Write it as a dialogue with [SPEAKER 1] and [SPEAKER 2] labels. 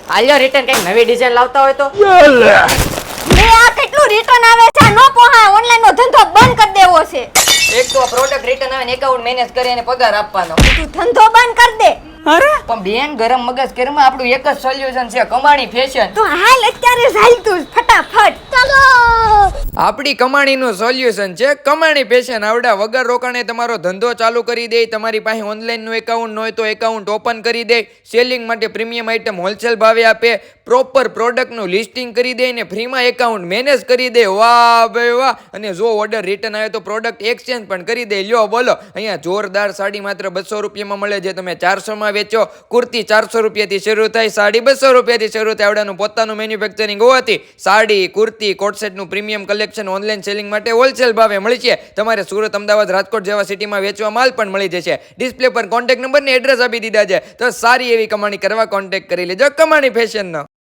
[SPEAKER 1] આલ્યો રિટર્ન કઈ નવી ડિઝાઇન લાવતા હોય તો
[SPEAKER 2] મે આ કેટલું રિટર્ન આવે છે નો પોહા ઓનલાઈન નો ધંધો બંધ કરી દેવો છે
[SPEAKER 1] એક તો પ્રોડક્ટ રિટર્ન આવે ને એકાઉન્ટ મેનેજ કરી અને પગાર આપવાનો
[SPEAKER 2] તું ધંધો બંધ કરી દે
[SPEAKER 1] અરે પણ બેન ગરમ મગજ કેરમાં આપણું એક જ સોલ્યુશન છે કમાણી ફેશન
[SPEAKER 2] તો હાલ અત્યારે હાલ તું ફટાફટ ચાલો
[SPEAKER 3] આપણી કમાણીનું સોલ્યુશન છે કમાણી ફેશન આવડા વગર રોકાણે તમારો ધંધો ચાલુ કરી દે તમારી પાસે ઓનલાઈનનું એકાઉન્ટ ન હોય તો એકાઉન્ટ ઓપન કરી દે સેલિંગ માટે પ્રીમિયમ આઇટમ હોલસેલ ભાવે આપે પ્રોપર પ્રોડક્ટનું લિસ્ટિંગ કરી દે ને ફ્રીમાં એકાઉન્ટ મેનેજ કરી દે વાહ ભાઈ વાહ અને જો ઓર્ડર રિટર્ન આવે તો પ્રોડક્ટ એક્સચેન્જ પણ કરી દે લ્યો બોલો અહીંયા જોરદાર સાડી માત્ર 200 રૂપિયામાં મળે છે તમે 400 માં વેચો કુર્તી 400 રૂપિયાથી શરૂ થાય સાડી 200 રૂપિયાથી શરૂ થાય આવડાનું પોતાનું મેન્યુફેક્ચરિંગ હોવાથી સાડી કુર્તી કોટસેટનું પ્રીમિયમ કલેક્શન ઓનલાઈન સેલિંગ માટે હોલસેલ ભાવે મળી છે તમારે સુરત અમદાવાદ રાજકોટ જેવા સિટીમાં વેચવા માલ પણ મળી જશે ડિસ્પ્લે પર કોન્ટેક્ટ નંબર ને એડ્રેસ આપી દીધા છે તો સારી એવી કમાણી કરવા કોન્ટેક્ટ કરી લેજો કમાણી ફેશનનો